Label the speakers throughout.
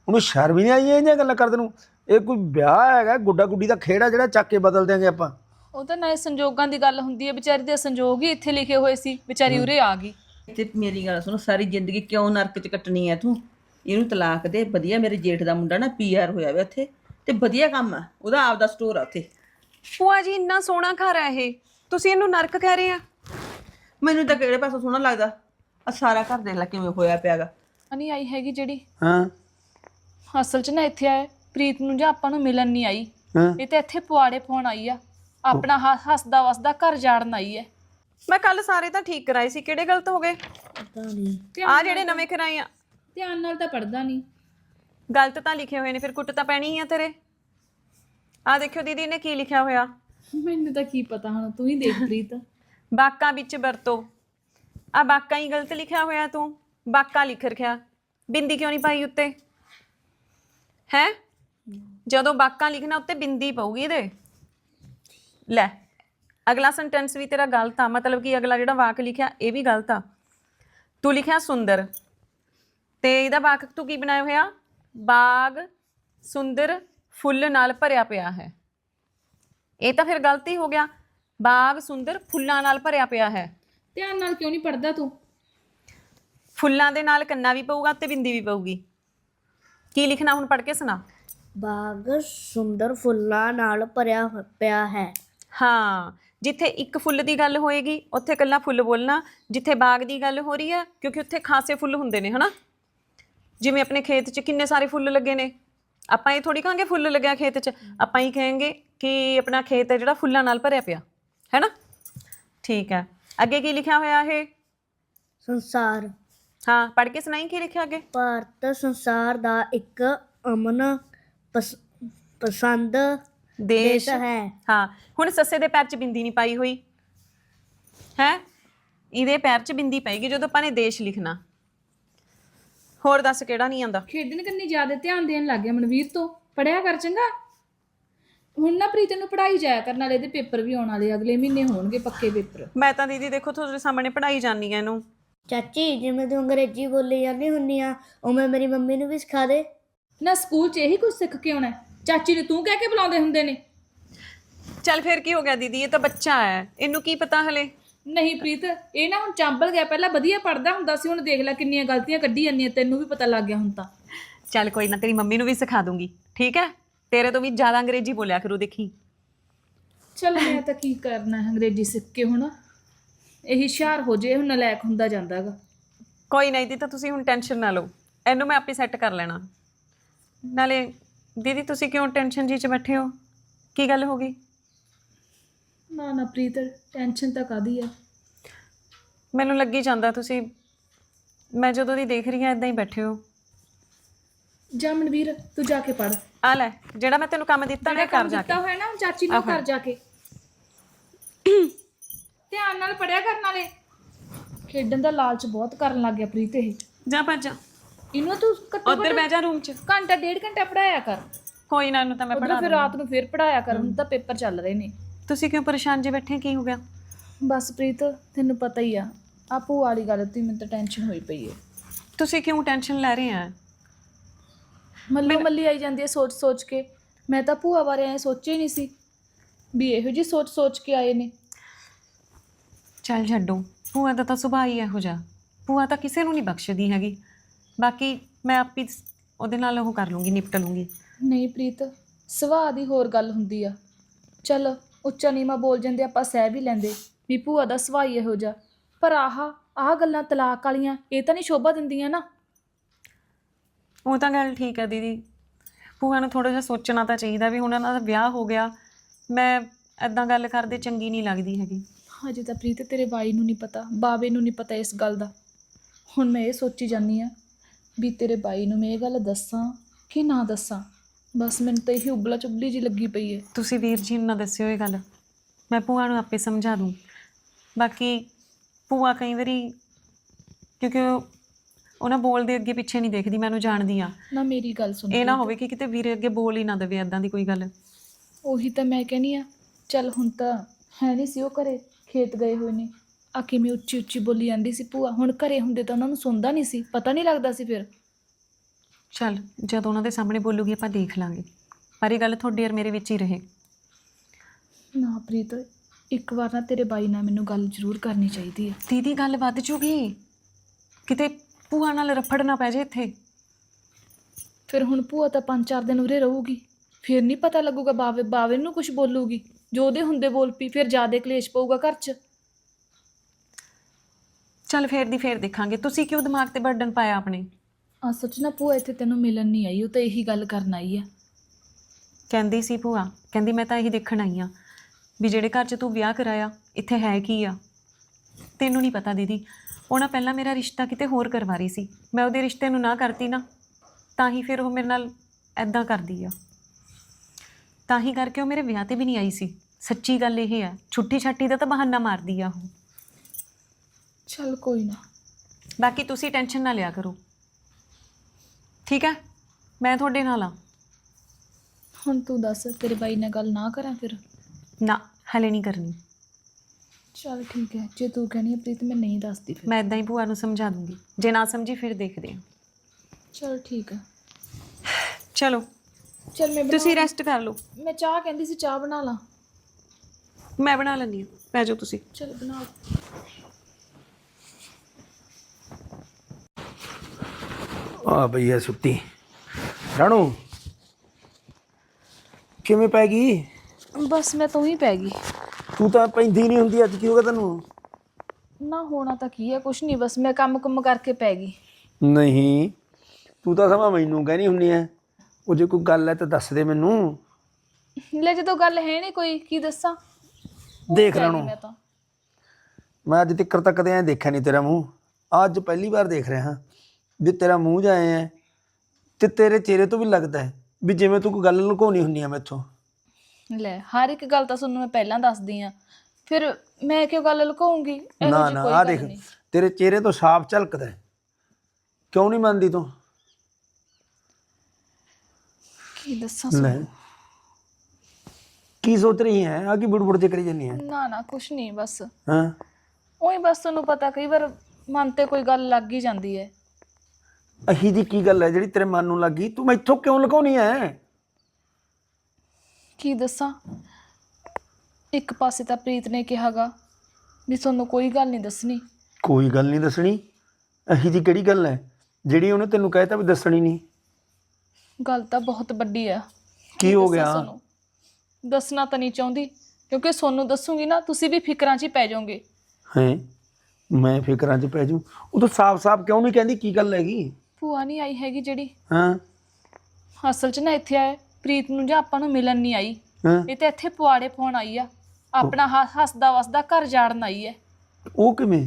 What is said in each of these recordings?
Speaker 1: ਉਹਨੂੰ ਸ਼ਰਮ ਹੀ ਨਹੀਂ ਆਈ ਇਹ ਜਿਹੀਆਂ ਗੱਲਾਂ ਕਰਦੇ ਨੂੰ। ਇਹ ਕੋਈ ਵਿਆਹ ਹੈਗਾ, ਗੁੱਡਾ ਗੁੱਡੀ ਦਾ ਖੇਡ ਆ ਜਿਹੜਾ ਚੱਕ ਕੇ ਬਦਲ ਦਿਆਂਗੇ ਆਪਾਂ।
Speaker 2: ਉਹ ਤਾਂ ਨਾ ਸੰਜੋਗਾਂ ਦੀ ਗੱਲ ਹੁੰਦੀ ਹੈ, ਵਿਚਾਰੀ ਦੇ ਸੰਜੋਗ ਹੀ ਇੱਥੇ ਲਿਖੇ ਹੋਏ ਸੀ, ਵਿਚਾਰੀ ਉਰੇ ਆ ਗਈ।
Speaker 3: ਤੇ ਮੇਰੀ ਗੱਲ ਸੁਣ, ਸਾਰੀ ਜ਼ਿੰਦਗੀ ਕਿਉਂ ਨਰਕ 'ਚ ਕੱਟਣੀ ਐ ਤੂੰ? ਇਹਨੂੰ ਤਲਾਕ ਦੇ। ਵਧੀਆ ਮੇਰੇ ਜੇਠ ਦਾ ਮੁੰਡਾ ਨਾ ਪੀਆਰ ਹੋਇਆ ਵੇ ਉੱਥੇ, ਤੇ ਵਧੀਆ ਕੰਮ ਆ ਉਹਦਾ, ਆਪਦਾ ਸਟੋਰ ਆ ਉੱਥੇ।
Speaker 4: ਭੂਆ ਜੀ ਇੰਨਾ ਸੋਹਣਾ ਘਰ ਹੈ ਇਹ, ਤੁਸੀਂ ਇਹਨੂੰ ਨਰਕ ਕਹਿ ਰਹੇ ਆ?
Speaker 3: ਮੈਨੂੰ ਤਾਂ ਕਿਹੜੇ ਪਾਸੋਂ ਸੋਹਣਾ ਲੱਗਦਾ, ਆ ਸਾਰਾ ਘਰ ਦੇਖ ਲੈ ਕਿਵੇਂ ਹੋਇਆ ਪਿਆਗਾ।
Speaker 2: ਨਹੀਂ ਆਈ ਹੈਗੀ ਜਿਹੜੀ
Speaker 1: ਹਾਂ
Speaker 2: ਅਸਲ 'ਚ ਨਾ ਇੱਥੇ ਆਏ ਪ੍ਰੀਤ ਨੂੰ ਜਾਂ ਆਪਾਂ ਨੂੰ ਮਿਲਣ ਨਹੀਂ ਆਈ।
Speaker 1: ਹਾਂ
Speaker 2: ਇਹ ਤਾਂ ਇੱਥੇ ਪੁਆੜੇ ਪਾਉਣ ਆਈ ਆ, ਆਪਣਾ ਹੱਸਦਾ ਵਸਦਾ ਘਰ ਜਾੜਨ ਆਈ ਹੈ।
Speaker 4: ਮੈਂ ਕੱਲ ਸਾਰੇ ਤਾਂ ਠੀਕ ਕਰਾਏ ਸੀ, ਕਿਹੜੇ ਗਲਤ ਹੋ ਗਏ? ਆ ਜਿਹੜੇ ਨਵੇਂ ਕਰਾਏ ਆ
Speaker 2: ਧਿਆਨ ਨਾਲ ਤਾਂ ਪੜਦਾ ਨਹੀਂ।
Speaker 4: ਗਲਤ ਤਾਂ ਲਿਖੇ ਹੋਏ ਨੇ, ਫਿਰ ਕੁੱਟ ਤਾਂ ਪੈਣੀ ਆ ਤੇਰੇ। ਆ ਦੇਖਿਓ ਦੀਦੀ ਨੇ ਕੀ ਲਿਖਿਆ ਹੋਇਆ।
Speaker 2: ਮੈਨੂੰ ਤਾਂ ਕੀ ਪਤਾ, ਹੁਣ ਤੂੰ ਹੀ ਦੇਖ ਪ੍ਰੀਤ।
Speaker 4: ਬਾਕਾਂ ਵਿੱਚ ਵਰਤੋ। ਆ ਬਾਕਾਂ ਹੀ ਗਲਤ ਲਿਖਿਆ ਹੋਇਆ, ਤੂੰ ਬਾਕਾਂ ਲਿਖ ਰਖਿਆ, ਬਿੰਦੀ ਕਿਉਂ ਨਹੀਂ ਪਾਈ ਉੱਤੇ ਹੈ? ਜਦੋਂ ਬਾਕਾਂ ਲਿਖਣਾ ਉੱਤੇ ਬਿੰਦੀ ਪਊਗੀ ਇਹਦੇ। ਲੈ ਅਗਲਾ ਸੈਂਟੈਂਸ ਵੀ ਤੇਰਾ ਗਲਤ ਆ, ਮਤਲਬ ਕਿ ਅਗਲਾ ਜਿਹੜਾ ਵਾਕ ਲਿਖਿਆ ਇਹ ਵੀ ਗਲਤ ਆ। ਤੂੰ ਲਿਖਿਆ ਸੁੰਦਰ, ਤੇ ਇਹਦਾ ਵਾਕ ਤੂੰ ਕੀ ਬਣਾਇਆ ਹੋਇਆ? ਬਾਗ ਸੁੰਦਰ ਫੁੱਲ ਨਾਲ ਭਰਿਆ ਪਿਆ ਹੈ। ਇਹ ਤਾਂ ਫਿਰ ਗਲਤ ਹੀ ਹੋ ਗਿਆ। ਬਾਗ ਸੁੰਦਰ ਫੁੱਲਾਂ ਨਾਲ ਭਰਿਆ ਪਿਆ ਹੈ।
Speaker 2: ਧਿਆਨ ਨਾਲ ਕਿਉਂ ਨਹੀਂ ਪੜਦਾ ਤੂੰ?
Speaker 4: ਫੁੱਲਾਂ ਦੇ ਨਾਲ ਕੰਨਾ ਵੀ ਪਊਗਾ ਤੇ ਬਿੰਦੀ ਵੀ ਪਊਗੀ। ਕੀ ਲਿਖਣਾ ਹੁਣ? ਪੜ੍ਹ ਕੇ ਸੁਣਾ।
Speaker 5: ਬਾਗ ਸੁੰਦਰ ਫੁੱਲਾਂ ਨਾਲ ਭਰਿਆ ਪਿਆ ਹੈ।
Speaker 4: ਹਾਂ, ਜਿੱਥੇ ਇੱਕ ਫੁੱਲ ਦੀ ਗੱਲ ਹੋਏਗੀ ਉੱਥੇ ਇਕੱਲਾ ਫੁੱਲ ਬੋਲਣਾ। ਜਿੱਥੇ ਬਾਗ ਦੀ ਗੱਲ ਹੋ ਰਹੀ ਹੈ, ਕਿਉਂਕਿ ਉੱਥੇ ਖਾਸੇ ਫੁੱਲ ਹੁੰਦੇ ਨੇ ਹਨਾ। ਜਿਵੇਂ ਆਪਣੇ ਖੇਤ 'ਚ ਕਿੰਨੇ ਸਾਰੇ ਫੁੱਲ ਲੱਗੇ ਨੇ, ਆਪਾਂ ਇਹ ਥੋੜੀ ਕਹਾਂਗੇ ਫੁੱਲ ਲੱਗਿਆ ਖੇਤ 'ਚ, ਆਪਾਂ ਹੀ ਕਹਾਂਗੇ ਕਿ ਆਪਣਾ ਖੇਤ ਹੈ ਜਿਹੜਾ ਫੁੱਲਾਂ ਨਾਲ ਭਰਿਆ ਪਿਆ ਹੈ ਨਾ। ਠੀਕ ਹੈ, ਅੱਗੇ ਕੀ ਲਿਖਿਆ ਹੋਇਆ ਇਹ?
Speaker 5: ਸੰਸਾਰ।
Speaker 4: ਹਾਂ, ਪੜ੍ਹ ਕੇ ਸੁਣਾਈ ਕੀ ਲਿਖਿਆ ਅੱਗੇ।
Speaker 5: ਭਾਰਤ ਸੰਸਾਰ ਦਾ ਇੱਕ ਅਮਨ ਪਸੰਦ
Speaker 4: ਦੇਸ਼
Speaker 5: ਹੈ।
Speaker 4: ਹਾਂ, ਹੁਣ ਸੱਸੇ ਦੇ ਪੈਰ 'ਚ ਬਿੰਦੀ ਨਹੀਂ ਪਾਈ ਹੋਈ ਹੈ, ਇਹਦੇ ਪੈਰ 'ਚ ਬਿੰਦੀ ਪਏਗੀ ਜਦੋਂ ਆਪਾਂ ਨੇ ਦੇਸ਼ ਲਿਖਣਾ। ਹੋਰ ਦੱਸ ਕਿਹੜਾ ਨਹੀਂ ਆਉਂਦਾ?
Speaker 2: ਖੇਡਣ ਕੰਨੀ ਜ਼ਿਆਦਾ ਧਿਆਨ ਦੇਣ ਲੱਗ ਗਿਆ ਮਨਵੀਰ ਤੋਂ। ਪੜਿਆ ਕਰ ਚੰਗਾ। ਹੁਣ ਨਾ ਪ੍ਰੀਤ ਨੂੰ ਪੜਾਈ ਜਾਇਆ ਕਰਨ ਵਾਲੇ, ਇਹਦੇ ਪੇਪਰ ਵੀ ਆਉਣ ਵਾਲੇ, ਅਗਲੇ ਮਹੀਨੇ ਹੋਣਗੇ ਪੱਕੇ ਪੇਪਰ।
Speaker 4: ਮੈਂ ਤਾਂ ਦੀਦੀ ਦੇਖੋ ਤੁਹਾਡੇ ਸਾਹਮਣੇ ਪੜ੍ਹਾਈ ਜਾਂਦੀ ਆ ਇਹਨੂੰ।
Speaker 5: ਚਾਚੀ ਜਿਵੇਂ ਤੂੰ ਅੰਗਰੇਜ਼ੀ ਬੋਲੀ ਜਾਂਦੀ ਹੁੰਨੀ ਆ, ਉਵੇਂ ਮੇਰੀ ਮੰਮੀ ਨੂੰ ਵੀ ਸਿਖਾ ਦੇ।
Speaker 2: ਨਾ ਸਕੂਲ 'ਚ ਇਹੀ ਕੁਝ ਸਿੱਖ ਕੇ ਆਉਣਾ? ਚਾਚੀ ਨੂੰ ਤੂੰ ਕਹਿ ਕੇ ਬੁਲਾਉਂਦੇ ਹੁੰਦੇ ਨੇ।
Speaker 4: ਚੱਲ ਫਿਰ ਕੀ ਹੋ ਗਿਆ ਦੀਦੀ, ਇਹ ਤਾਂ ਬੱਚਾ ਹੈ, ਇਹਨੂੰ ਕੀ ਪਤਾ ਹਲੇ।
Speaker 2: ਨਹੀਂ ਪ੍ਰੀਤ, ਇਹ ਨਾ ਹੁਣ ਚਾਂਬਲ ਗਿਆ, ਪਹਿਲਾਂ ਵਧੀਆ ਪੜਦਾ ਹੁੰਦਾ ਸੀ, ਹੁਣ ਦੇਖ ਲੈ ਕਿੰਨੀਆਂ ਗਲਤੀਆਂ ਕੱਢੀ ਜਾਂਦੀਆਂ। ਤੈਨੂੰ ਵੀ ਪਤਾ ਲੱਗ ਗਿਆ ਹੁਣ ਤਾਂ।
Speaker 4: ਚੱਲ ਕੋਈ ਨਾ, ਤੇਰੀ ਮੰਮੀ ਨੂੰ ਵੀ ਸਿਖਾ ਦੂੰਗੀ, ਠੀਕ ਹੈ? ਤੇਰੇ ਤੋਂ ਵੀ ਜ਼ਿਆਦਾ ਅੰਗਰੇਜ਼ੀ ਬੋਲਿਆ ਕਰੂ, ਦੇਖੀ।
Speaker 2: ਚਲ ਮੈਂ ਤਾਂ ਕੀ ਕਰਨਾ ਅੰਗਰੇਜ਼ੀ ਸਿੱਖ ਕੇ, ਹੁਣ ਇਹੀ ਹੁਸ਼ਿਆਰ ਹੋ ਜੇ, ਹੁਣ ਨਲਾਇਕ ਹੁੰਦਾ ਜਾਂਦਾ ਗਾ।
Speaker 4: ਕੋਈ ਨਹੀਂ ਦੀ, ਤਾਂ ਤੁਸੀਂ ਹੁਣ ਟੈਨਸ਼ਨ ਨਾ ਲਓ, ਇਹਨੂੰ ਮੈਂ ਆਪੇ ਸੈੱਟ ਕਰ ਲੈਣਾ। ਨਾਲੇ ਦੀਦੀ ਤੁਸੀਂ ਕਿਉਂ ਟੈਨਸ਼ਨ ਜੀ 'ਚ ਬੈਠੇ ਹੋ? ਕੀ ਗੱਲ ਹੋ ਗਈ?
Speaker 2: ਨਾ ਨਾ ਪ੍ਰੀਤ, ਟੈਨਸ਼ਨ ਤਾਂ ਕਾਹਦੀ ਆ।
Speaker 4: ਮੈਨੂੰ ਲੱਗੀ ਜਾਂਦਾ ਤੁਸੀਂ, ਮੈਂ ਜਦੋਂ ਦੀ ਦੇਖ ਰਹੀ ਹਾਂ ਇਦਾਂ ਹੀ ਬੈਠੇ ਹੋ।
Speaker 2: ਜਾ ਮਨਵੀਰ ਤੂੰ ਜਾ ਕੇ ਪੜ।
Speaker 4: ਆ ਲੈ, ਜਿਹੜਾ ਮੈਂ ਤੈਨੂੰ ਕੰਮ ਦਿੱਤਾ ਨਾ ਕਰ ਜਾ ਕੇ।
Speaker 2: ਦਿੱਤਾ ਹੋਇਆ ਨਾ ਚਾਚੀ ਨੂੰ ਕਰ ਜਾ ਕੇ। ਧਿਆਨ ਨਾਲ ਪੜਿਆ ਕਰਨ ਵਾਲੇ। ਖੇਡਣ ਦਾ ਲਾਲਚ ਬਹੁਤ ਕਰਨ ਲੱਗ ਗਿਆ ਪ੍ਰੀਤ ਇਹ।
Speaker 4: ਜਾ ਭੱਜ ਜਾ,
Speaker 2: ਇਹਨੂੰ ਤੂੰ ਘੱਟੋ
Speaker 4: ਉੱਧਰ ਬਹਿ ਜਾ ਰੂਮ 'ਚ।
Speaker 2: ਘੰਟਾ ਡੇਢ ਘੰਟਾ ਪੜਾਇਆ ਕਰ।
Speaker 4: ਕੋਈ ਨਾ, ਇਹਨੂੰ ਤਾਂ ਮੈਂ ਪੜ੍ਹਾ
Speaker 2: ਫਿਰ ਰਾਤ ਨੂੰ ਫਿਰ ਪੜਾਇਆ ਕਰ, ਹੁਣ ਤਾਂ ਪੇਪਰ ਚੱਲ ਰਹੇ ਨੇ।
Speaker 4: ਤੁਸੀਂ ਕਿਉਂ ਪਰੇਸ਼ਾਨ ਜੇ ਬੈਠੇ, ਕੀ ਹੋ ਗਿਆ?
Speaker 2: ਬਸ ਪ੍ਰੀਤ ਤੈਨੂੰ ਪਤਾ ਹੀ ਆ, ਭੂਆ ਵਾਲੀ ਗੱਲ ਤੇ ਮੈਨੂੰ ਤਾਂ ਟੈਨਸ਼ਨ ਹੋਈ ਪਈ ਹੈ।
Speaker 4: ਤੁਸੀਂ ਕਿਉਂ ਟੈਨਸ਼ਨ ਲੈ ਰਹੇ ਆ?
Speaker 2: ਮੱਲੋ ਮੱਲੀ ਆਈ ਜਾਂਦੀ ਹੈ ਸੋਚ ਸੋਚ ਕੇ। ਮੈਂ ਤਾਂ ਭੂਆ ਬਾਰੇ ਐ ਸੋਚਿਆ ਹੀ ਨਹੀਂ ਸੀ ਵੀ ਇਹੋ ਜਿਹੀ ਸੋਚ ਸੋਚ ਕੇ ਆਏ ਨੇ।
Speaker 4: ਚੱਲ ਛੱਡੋ, ਭੂਆ ਦਾ ਤਾਂ ਸੁਭਾਅ ਹੀ ਇਹੋ ਜਿਹਾ। ਭੂਆ ਤਾਂ ਕਿਸੇ ਨੂੰ ਨਹੀਂ ਬਖਸ਼ਦੀ ਹੈਗੀ। ਬਾਕੀ ਮੈਂ ਆਪ ਹੀ ਉਹਦੇ ਨਾਲ ਉਹ ਕਰ ਲੂੰਗੀ, ਨਿਪਟ ਲੂੰਗੀ।
Speaker 2: ਨਹੀਂ ਪ੍ਰੀਤ, ਸੁਭਾਅ ਦੀ ਹੋਰ ਗੱਲ ਹੁੰਦੀ ਆ। ਚੱਲ ਉੱਚਾ ਨੀਵਾਂ ਬੋਲ ਜਾਂਦੇ ਆਪਾਂ ਸਹਿ ਵੀ ਲੈਂਦੇ ਵੀ ਭੂਆ ਦਾ ਸੁਭਾਅ ਹੀ ਇਹੋ ਜਿਹਾ, ਪਰ ਆਹ ਗੱਲਾਂ ਤਲਾਕ ਵਾਲੀਆਂ ਇਹ ਤਾਂ ਨਹੀਂ ਸ਼ੋਭਾ ਦਿੰਦੀਆਂ ਨਾ।
Speaker 4: ਉਹ ਤਾਂ ਗੱਲ ਠੀਕ ਹੈ ਦੀਦੀ, ਭੂਆ ਨੂੰ ਥੋੜ੍ਹਾ ਜਿਹਾ ਸੋਚਣਾ ਤਾਂ ਚਾਹੀਦਾ ਵੀ ਹੁਣ ਉਹਨਾਂ ਦਾ ਵਿਆਹ ਹੋ ਗਿਆ, ਮੈਂ ਇੱਦਾਂ ਗੱਲ ਕਰਦੇ ਚੰਗੀ ਨਹੀਂ ਲੱਗਦੀ ਹੈਗੀ।
Speaker 2: ਹਜੇ ਤਾਂ ਪ੍ਰੀਤ ਤੇਰੇ ਬਾਈ ਨੂੰ ਨਹੀਂ ਪਤਾ, ਬਾਵੇ ਨੂੰ ਨਹੀਂ ਪਤਾ ਇਸ ਗੱਲ ਦਾ। ਹੁਣ ਮੈਂ ਇਹ ਸੋਚੀ ਜਾਂਦੀ ਆ ਵੀ ਤੇਰੇ ਬਾਈ ਨੂੰ ਮੈਂ ਇਹ ਗੱਲ ਦੱਸਾਂ ਕਿ ਨਾ ਦੱਸਾਂ। ਬਸ ਮੈਨੂੰ ਤਾਂ ਇਹ ਉਬਲਾ ਚੁਬਲੀ ਜੀ ਲੱਗੀ ਪਈ ਹੈ।
Speaker 4: ਤੁਸੀਂ ਵੀਰ ਜੀ ਨੂੰ ਨਾ ਦੱਸਿਓ ਇਹ ਗੱਲ, ਮੈਂ ਭੂਆ ਨੂੰ ਆਪੇ ਸਮਝਾ ਦੂੰ। ਬਾਕੀ ਭੂਆ ਕਈ ਵਾਰੀ, ਕਿਉਂਕਿ ਉਹ ਨਾ ਬੋਲਦੇ ਅੱਗੇ ਪਿੱਛੇ ਨਹੀਂ ਦੇਖਦੀ, ਮੈਂ ਉਹਨੂੰ ਜਾਣਦੀ ਆ।
Speaker 2: ਨਾ ਮੇਰੀ ਗੱਲ ਸੁਣ,
Speaker 4: ਇਹ ਨਾ ਹੋਵੇ ਕਿ ਕਿਤੇ ਵੀਰੇ ਅੱਗੇ ਬੋਲ ਹੀ ਨਾ ਦੇਵੇ ਇੱਦਾਂ ਦੀ ਕੋਈ ਗੱਲ।
Speaker 2: ਉਹੀ ਤਾਂ ਮੈਂ ਕਹਿੰਦੀ ਆ। ਚੱਲ ਹੁਣ ਤਾਂ ਹੈ ਨਹੀਂ ਸੀ ਉਹ ਘਰੇ, ਖੇਤ ਗਏ ਹੋਏ ਨੇ। ਆ ਕਿਵੇਂ ਉੱਚੀ ਉੱਚੀ ਬੋਲੀ ਜਾਂਦੀ ਸੀ ਭੂਆ, ਹੁਣ ਘਰੇ ਹੁੰਦੇ ਤਾਂ ਉਹਨਾਂ ਨੂੰ ਸੁਣਦਾ ਨਹੀਂ ਸੀ, ਪਤਾ ਨਹੀਂ ਲੱਗਦਾ ਸੀ ਫਿਰ।
Speaker 4: ਚੱਲ ਜਦੋਂ ਉਹਨਾਂ ਦੇ ਸਾਹਮਣੇ ਬੋਲੂਗੀ ਆਪਾਂ ਦੇਖ ਲਾਂਗੇ, ਪਰ ਇਹ ਗੱਲ ਤੁਹਾਡੇ ਔਰ ਮੇਰੇ ਵਿੱਚ ਹੀ ਰਹੇ।
Speaker 2: ਨਾ ਪ੍ਰੀਤ, ਇੱਕ ਵਾਰ ਨਾ ਤੇਰੇ ਬਾਈ ਨਾਲ ਮੈਨੂੰ ਗੱਲ ਜ਼ਰੂਰ ਕਰਨੀ ਚਾਹੀਦੀ ਹੈ।
Speaker 4: ਦੀਦੀ ਗੱਲ ਵੱਧ ਜੂਗੀ, ਕਿਤੇ ਭੂਆ ਨਾਲ ਰਫੜ ਨਾ ਪੈ ਜੇ ਇੱਥੇ।
Speaker 2: ਫਿਰ ਹੁਣ ਭੂਆ ਤਾਂ 5-4 ਦਿਨ ਉਰੇ ਰਹੂਗੀ, ਫਿਰ ਨਹੀਂ ਪਤਾ ਲੱਗੂਗਾ। ਬਾਵੇ ਨੂੰ ਕੁਝ ਬੋਲੂਗੀ, ਜੋ ਉਹਦੇ ਹੁੰਦੇ ਬੋਲ ਪਈ, ਫਿਰ ਜ਼ਿਆਦਾ ਕਲੇਸ਼ ਪਊਗਾ ਘਰ 'ਚ।
Speaker 4: ਚੱਲ ਫੇਰ ਦੀ ਫੇਰ ਦੇਖਾਂਗੇ। ਤੁਸੀਂ ਕਿਉਂ ਦਿਮਾਗ ਤੇ ਬਰਡਨ ਪਾਇਆ ਆਪਣੇ?
Speaker 2: ਅਸਲ 'ਚ ਨਾ ਭੂਆ ਇੱਥੇ ਤੈਨੂੰ ਮਿਲਣ ਨਹੀਂ ਆਈ, ਉਹ ਤਾਂ ਇਹੀ ਗੱਲ ਕਰਨ ਆਈ ਆ।
Speaker 4: ਕਹਿੰਦੀ ਸੀ ਭੂਆ, ਕਹਿੰਦੀ ਮੈਂ ਤਾਂ ਇਹੀ ਦੇਖਣ ਆਈ ਆ ਵੀ ਜਿਹੜੇ ਘਰ 'ਚ ਤੂੰ ਵਿਆਹ ਕਰਾਇਆ ਇੱਥੇ ਹੈ ਕੀ ਆ। ਤੈਨੂੰ ਨਹੀਂ ਪਤਾ ਦੀਦੀ, ਉਹਨਾਂ ਪਹਿਲਾਂ ਮੇਰਾ ਰਿਸ਼ਤਾ ਕਿਤੇ ਹੋਰ ਕਰਵਾ ਰਹੀ ਸੀ। ਮੈਂ ਉਹਦੇ ਰਿਸ਼ਤੇ ਨੂੰ ਨਾ ਕਰਤੀ ਨਾ, ਤਾਂ ਹੀ ਫਿਰ ਉਹ ਮੇਰੇ ਨਾਲ ਐਦਾਂ ਕਰਦੀ ਆ। ਤਾਂ ਹੀ ਕਰਕੇ ਉਹ ਮੇਰੇ ਵਿਆਹ ਤੇ ਵੀ ਨਹੀਂ ਆਈ ਸੀ। ਸੱਚੀ ਗੱਲ ਇਹ ਹੈ, ਛੁੱਟੀ ਛਾਟੀ ਦਾ ਤਾਂ ਬਹਾਨਾ ਮਾਰਦੀ ਆ ਉਹ।
Speaker 2: ਚੱਲ ਕੋਈ ਨਾ,
Speaker 4: ਬਾਕੀ ਤੁਸੀਂ ਟੈਨਸ਼ਨ ਨਾ ਲਿਆ ਕਰੋ, ਠੀਕ ਹੈ? ਮੈਂ ਤੁਹਾਡੇ ਨਾਲ ਆ।
Speaker 2: ਹੁਣ ਤੂੰ ਦੱਸ, ਤੇਰੇ ਬਾਈ ਨਾਲ ਗੱਲ ਨਾ ਕਰਾਂ ਫਿਰ?
Speaker 4: ਨਾ, ਹਲੇ ਨਹੀਂ ਕਰਨੀ।
Speaker 2: ਚੱਲ ਠੀਕ ਹੈ, ਜੇ ਤੂੰ ਕਹਿਣੀ ਹੈ ਪ੍ਰੀਤ ਮੈਂ ਨਹੀਂ ਦੱਸਦੀ ਫਿਰ।
Speaker 4: ਮੈਂ ਇਦਾਂ ਹੀ ਭੂਆ ਨੂੰ ਸਮਝਾ ਦੂੰਗੀ, ਜੇ ਨਾ ਸਮਝੀ ਫਿਰ ਦੇਖਦੇ ਹਾਂ।
Speaker 2: ਚੱਲ ਠੀਕ ਹੈ,
Speaker 4: ਚਲੋ
Speaker 2: ਚੱਲ ਮੈਂ
Speaker 4: ਤੁਸੀਂ ਰੈਸਟ ਕਰ ਲਓ।
Speaker 2: ਮੈਂ ਚਾਹ ਕਹਿੰਦੀ ਸੀ, ਚਾਹ ਬਣਾ ਲਾਂ?
Speaker 4: ਮੈਂ ਬਣਾ ਲੈਂਦੀ ਹਾਂ, ਪੈ ਜਾਓ ਤੁਸੀਂ।
Speaker 2: ਚੱਲ ਬਣਾ।
Speaker 1: ਆ ਬਈ ਐ ਸੁੱਤੀ ਰਾਣੋ ਕਿਵੇਂ ਪੈ ਗਈ?
Speaker 2: ਬਸ ਮੈਂ ਤੂੰ ਹੀ ਪੈ ਗਈ।
Speaker 1: ਤੂੰ ਤਾਂ ਪੈਂਦੀ ਨਹੀਂ ਹੁੰਦੀ, ਅੱਜ ਕੀ ਹੋ ਗਿਆ ਤੈਨੂੰ?
Speaker 2: ਨਾ ਹੋਣਾ ਤਾਂ ਕੀ ਹੈ, ਕੁਛ ਨਹੀਂ, ਬਸ ਮੈਂ ਕੰਮ ਕਰਕੇ ਪੈ ਗਈ।
Speaker 1: ਨਹੀਂ, ਤੂੰ ਤਾਂ ਸਮਾਂ ਮੈਨੂੰ ਕਹਿਣੀ ਹੁੰਨੀ ਐ। ਉਹ ਜੇ ਕੋਈ ਗੱਲ ਹੈ ਤਾਂ ਦੱਸ ਦੇ ਮੈਨੂੰ।
Speaker 2: ਲੈ ਜਦੋਂ ਗੱਲ ਹੈ ਨਹੀਂ ਕੋਈ, ਕੀ ਦੱਸਾਂ?
Speaker 1: ਦੇਖ
Speaker 2: ਪੈ ਗਈ
Speaker 1: ਰਾਣੋ,
Speaker 2: ਮੈਂ ਤਾਂ।
Speaker 1: ਮੈਂ ਅੱਜ ਤੱਕ ਕਦੇ ਐਂ ਦੇਖਿਆ ਨਹੀਂ ਤੇਰਾ ਮੂੰਹ, ਅੱਜ ਪਹਿਲੀ ਵਾਰ ਦੇਖ ਰਿਹਾ ਹਾਂ ਵੀ ਤੇਰਾ ਮੂੰਹ ਜਾਏ ਹੈ ਤੇ ਤੇਰੇ ਚਿਹਰੇ ਤੋਂ ਵੀ ਲੱਗਦਾ ਹੈ ਵੀ ਜਿਵੇਂ ਤੂੰ ਕੋਈ ਗੱਲ ਲੁਕਾਉਣੀ ਹੁੰਨੀ ਆ ਮੈਥੋਂ।
Speaker 2: ਲੈ, ਹਰ ਇੱਕ ਗੱਲ ਤਾਂ ਤੁਹਾਨੂੰ ਮੈਂ ਪਹਿਲਾਂ ਦੱਸਦੀ ਆ, ਫਿਰ ਮੈਂ ਕਿਉਂ ਗੱਲ ਲੁਕਾਉਂਗੀ? ਇਹੋ
Speaker 1: ਨਾ
Speaker 2: ਜਿਹੀ
Speaker 1: ਨਾ,
Speaker 2: ਕੋਈ
Speaker 1: ਆ
Speaker 2: ਗੱਲ
Speaker 1: ਦੇਖ
Speaker 2: ਨਹੀਂ।
Speaker 1: ਤੇਰੇ ਚਿਹਰੇ ਤੋਂ ਸਾਫ਼ ਝਲਕਦਾ ਹੈ। ਕਿਉਂ ਨਹੀਂ ਮੰਨਦੀ ਤੂੰ?
Speaker 2: ਕੀ ਦੱਸਾਂ?
Speaker 1: ਲੈ, ਕੀ ਸੋਚ ਰਹੀ ਹੈ? ਆ ਕੀ ਬੁੜਬੁੜ ਜੇ ਕਰੀ ਜਾਂਦੀ ਹੈ?
Speaker 2: ਨਾ ਕੁਛ ਨਹੀਂ, ਬਸ
Speaker 1: ਹਾਂ,
Speaker 2: ਉਹੀ, ਬਸ ਤੁਹਾਨੂੰ ਪਤਾ ਕਈ ਵਾਰ ਮਨ ਤੇ ਕੋਈ ਗੱਲ ਲੱਗ ਹੀ ਜਾਂਦੀ ਹੈ।
Speaker 1: ਅਹੀ ਦੀ ਕੀ ਗੱਲ ਹੈ ਜਿਹੜੀ ਤੇਰੇ ਮਨ ਨੂੰ ਲੱਗੀ? ਤੂੰ ਮੈਥੋਂ ਕਿਉਂ ਲੁਕਾਉਣੀ ਹੈ?
Speaker 2: ਕੀ ਦੱਸਾਂ, ਇੱਕ ਪਾਸੇ ਤਾਂ ਪ੍ਰੀਤ ਨੇ ਕਿਹਾਗਾ ਵੀ ਤੁਹਾਨੂੰ ਕੋਈ ਗੱਲ ਨਹੀਂ ਦੱਸਣੀ।
Speaker 1: ਕੋਈ ਗੱਲ ਨਹੀਂ ਦੱਸਣੀ? ਅਹੀ ਦੀ ਕਿਹੜੀ ਗੱਲ ਹੈ ਜਿਹੜੀ ਉਹਨੇ ਤੈਨੂੰ ਕਹਿਤਾ ਵੀ ਦੱਸਣੀ ਨਹੀਂ?
Speaker 2: ਗੱਲ ਤਾਂ ਬਹੁਤ ਵੱਡੀ ਆ।
Speaker 1: ਕੀ ਹੋ
Speaker 2: ਦੱਸਾਂ
Speaker 1: ਗਿਆ?
Speaker 2: ਤੁਹਾਨੂੰ? ਦੱਸਣਾ ਤਾਂ ਨਹੀਂ ਚਾਹੁੰਦੀ, ਕਿਉਂਕਿ ਤੁਹਾਨੂੰ ਦੱਸੂਗੀ ਨਾ ਤੁਸੀਂ ਵੀ ਫਿਕਰਾਂ 'ਚ ਹੀ ਪੈ ਜਾਓਗੇ।
Speaker 1: ਹੈ, ਮੈਂ ਫਿਕਰਾਂ 'ਚ ਪੈ ਜੂ? ਉਹ ਤਾਂ ਸਾਫ਼-ਸਾਫ਼ ਕਿਉਂ ਨਹੀਂ ਕਹਿੰਦੀ ਕੀ ਗੱਲ ਹੈਗੀ?
Speaker 2: ਭੂਆ ਨਹੀਂ ਆਈ ਹੈਗੀ ਜਿਹੜੀ,
Speaker 1: ਹਾਂ
Speaker 2: ਅਸਲ 'ਚ ਨਾ ਇੱਥੇ ਆਏ ਪ੍ਰੀਤ ਨੂੰ ਜਾਂ ਆਪਾਂ ਨੂੰ ਮਿਲਣ ਨਹੀਂ ਆਈ।
Speaker 1: ਹਾਂ,
Speaker 2: ਇਹ ਤਾਂ ਇੱਥੇ ਪੁਆੜੇ ਪਾਉਣ ਆਈ ਆ, ਆਪਣਾ ਹੱਸਦਾ ਵਸਦਾ ਘਰ ਜਾੜਨ ਆਈ ਹੈ।
Speaker 1: ਉਹ ਕਿਵੇਂ?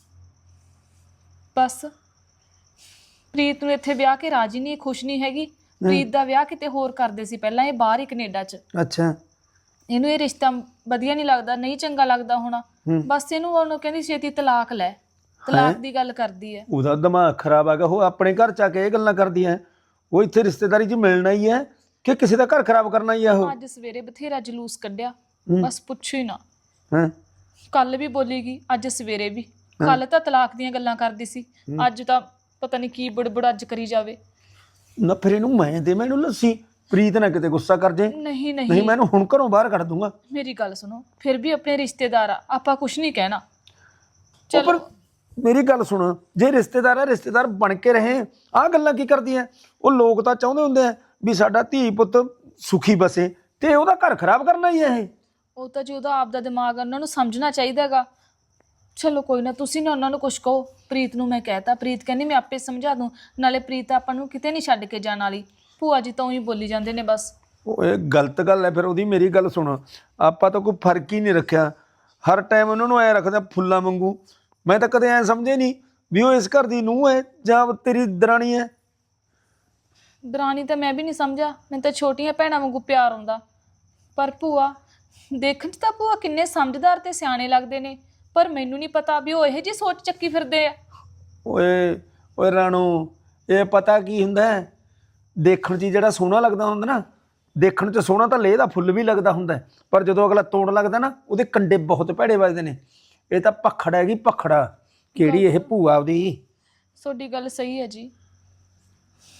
Speaker 2: ਬਸ ਪ੍ਰੀਤ ਨੂੰ ਇੱਥੇ ਵਿਆਹ ਕੇ ਰਾਜੀ ਨਹੀਂ, ਖੁਸ਼ ਨਹੀਂ ਹੈਗੀ। ਪ੍ਰੀਤ ਦਾ ਵਿਆਹ ਕਿਤੇ ਹੋਰ ਕਰਦੇ ਸੀ ਪਹਿਲਾਂ, ਇਹ ਬਾਹਰ ਹੀ ਕੈਨੇਡਾ 'ਚ।
Speaker 1: ਅੱਛਾ,
Speaker 2: ਇਹਨੂੰ ਇਹ ਰਿਸ਼ਤਾ ਵਧੀਆ ਨਹੀਂ ਲੱਗਦਾ, ਨਹੀਂ ਚੰਗਾ ਲੱਗਦਾ ਹੋਣਾ। ਬਸ ਇਹਨੂੰ ਉਹਨੂੰ ਕਹਿੰਦੀ ਛੇਤੀ ਤਲਾਕ ਲੈ, ਤਲਾਕ ਦੀ ਗੱਲ ਕਰਦੀ ਹੈ।
Speaker 1: ਉਹਦਾ ਦਿਮਾਗ ਖਰਾਬ ਹੈਗਾ। ਉਹ ਆਪਣੇ ਘਰ 'ਚ ਆ ਕੇ ਇਹ ਗੱਲਾਂ ਕਰਦੀ ਹੈ? ਉਹ ਇੱਥੇ ਰਿਸ਼ਤੇਦਾਰੀ 'ਚ ਮਿਲਣਾ ਹੀ ਹੈ ਕਿ ਕਿਸੇ ਦਾ ਘਰ ਖਰਾਬ ਕਰਨਾ ਹੀ ਹੈ? ਉਹ
Speaker 2: ਅੱਜ ਸਵੇਰੇ ਬਥੇਰਾ ਜਲੂਸ ਕੱਢਿਆ, ਬਸ ਪੁੱਛੋ ਹੀ ਨਾ।
Speaker 1: ਹਾਂ,
Speaker 2: ਕੱਲ ਵੀ ਬੋਲੀਗੀ, ਅੱਜ ਸਵੇਰੇ ਵੀ। ਕੱਲ ਤਾਂ ਤਲਾਕ ਦੀਆਂ ਗੱਲਾਂ ਕਰਦੀ ਸੀ, ਅੱਜ ਤਾਂ ਪਤਾ ਨਹੀਂ ਕੀ ਬੁੜਬੁੜ ਅੱਜ ਕਰੀ ਜਾਵੇ।
Speaker 1: ਨਾ ਫਿਰ ਇਹਨੂੰ ਮੈਂ ਦੇ, ਮੈਨੂੰ ਲੱਸੀ। ਪ੍ਰੀਤ ਨਾ ਕਿਤੇ ਗੁੱਸਾ ਕਰ ਜੇ।
Speaker 2: ਨਹੀਂ
Speaker 1: ਨਹੀਂ, ਮੈਂ ਇਹਨੂੰ ਹੁਣ ਘਰੋਂ ਬਾਹਰ ਕੱਢ ਦੂੰਗਾ।
Speaker 2: ਮੇਰੀ ਗੱਲ ਸੁਣੋ, ਫਿਰ ਵੀ ਆਪਣੇ ਰਿਸ਼ਤੇਦਾਰ ਆ, ਆਪਾਂ ਕੁਝ ਨਹੀਂ ਕਹਿਣਾ।
Speaker 1: ਉਹ ਪਰ ਮੇਰੀ ਗੱਲ ਸੁਣ, ਜੇ ਰਿਸ਼ਤੇਦਾਰ ਹੈ ਰਿਸ਼ਤੇਦਾਰ ਬਣ ਕੇ ਰਹੇ। ਆਹ ਗੱਲਾਂ ਕੀ ਕਰਦੀਆਂ? ਉਹ ਲੋਕ ਤਾਂ ਚਾਹੁੰਦੇ ਹੁੰਦੇ ਆ ਵੀ ਸਾਡਾ ਧੀ ਪੁੱਤ ਸੁਖੀ ਬਸੇ, ਤੇ ਉਹਦਾ ਘਰ ਖਰਾਬ ਕਰਨਾ ਹੀ ਹੈ ਇਹ।
Speaker 2: ਉਹ ਤਾਂ ਜੀ ਉਹਦਾ ਆਪਦਾ ਦਿਮਾਗ ਆ, ਉਹਨਾਂ ਨੂੰ ਸਮਝਣਾ ਚਾਹੀਦਾ ਹੈਗਾ। ਚਲੋ ਕੋਈ ਨਾ, ਤੁਸੀਂ ਨਾ ਉਹਨਾਂ ਨੂੰ ਕੁਝ ਕਹੋ। ਪ੍ਰੀਤ ਨੂੰ ਮੈਂ ਕਹਿਤਾ, ਪ੍ਰੀਤ ਕਹਿੰਦੀ ਮੈਂ ਆਪੇ ਸਮਝਾ ਦੂੰ। ਨਾਲੇ ਪ੍ਰੀਤ ਆਪਾਂ ਨੂੰ ਕਿਤੇ ਨਹੀਂ ਛੱਡ ਕੇ ਜਾਣ ਵਾਲੀ। ਭੂਆ ਜੀ ਤਾਂ ਹੀ ਬੋਲੀ ਜਾਂਦੇ ਨੇ ਬਸ।
Speaker 1: ਉਹ ਇਹ ਗਲਤ ਗੱਲ ਹੈ ਫਿਰ ਉਹਦੀ। ਮੇਰੀ ਗੱਲ ਸੁਣ, ਆਪਾਂ ਤਾਂ ਕੋਈ ਫਰਕ ਹੀ ਨਹੀਂ ਰੱਖਿਆ। ਹਰ ਟਾਈਮ ਉਹਨਾਂ ਨੂੰ ਐਂ ਰੱਖਦਾ ਫੁੱਲਾਂ ਵਾਂਗੂ। ਮੈਂ ਤਾਂ ਕਦੇ ਐਂ ਸਮਝੇ ਨਹੀਂ ਵੀ ਉਹ ਇਸ ਘਰ ਦੀ ਨੂੰਹ ਹੈ ਜਾਂ ਤੇਰੀ ਦਰਾਣੀ ਹੈ।
Speaker 2: ਦਰਾਣੀ ਤਾਂ ਮੈਂ ਵੀ ਨਹੀਂ ਸਮਝਿਆ, ਮੈਨੂੰ ਤਾਂ ਛੋਟੀਆਂ ਭੈਣਾਂ ਵਾਂਗੂ ਪਿਆਰ ਆਉਂਦਾ। ਪਰ ਭੂਆ ਦੇਖਣ 'ਚ ਤਾਂ ਭੂਆ ਕਿੰਨੇ ਸਮਝਦਾਰ ਤੇ ਸਿਆਣੇ ਲੱਗਦੇ ਨੇ, ਪਰ ਮੈਨੂੰ ਨਹੀਂ ਪਤਾ ਵੀ ਉਹ ਇਹੋ ਜਿਹੀ ਸੋਚ ਚੱਕੀ ਫਿਰਦੇ ਆ।
Speaker 1: ਓਏ ਰਾਣੋ, ਇਹ ਪਤਾ ਕੀ ਹੁੰਦਾ ਹੈ? ਦੇਖਣ 'ਚ ਜਿਹੜਾ ਸੋਹਣਾ ਲੱਗਦਾ ਹੁੰਦਾ ਨਾ, ਦੇਖਣ 'ਚ ਸੋਹਣਾ ਤਾਂ ਲੇਹ ਦਾ ਫੁੱਲ ਵੀ ਲੱਗਦਾ ਹੁੰਦਾ, ਪਰ ਜਦੋਂ ਅਗਲਾ ਤੋੜਨ ਲੱਗਦਾ ਨਾ, ਉਹਦੇ ਕੰਡੇ ਬਹੁਤ ਭੈੜੇ ਵੱਜਦੇ ਨੇ। ਇਹ ਤਾਂ ਭਖੜ ਹੈਗੀ, ਭਖੜਾ। ਕਿਹੜੀ ਇਹ ਭੂਆ ਉਹਦੀ?
Speaker 2: ਤੁਹਾਡੀ ਗੱਲ ਸਹੀ ਹੈ ਜੀ,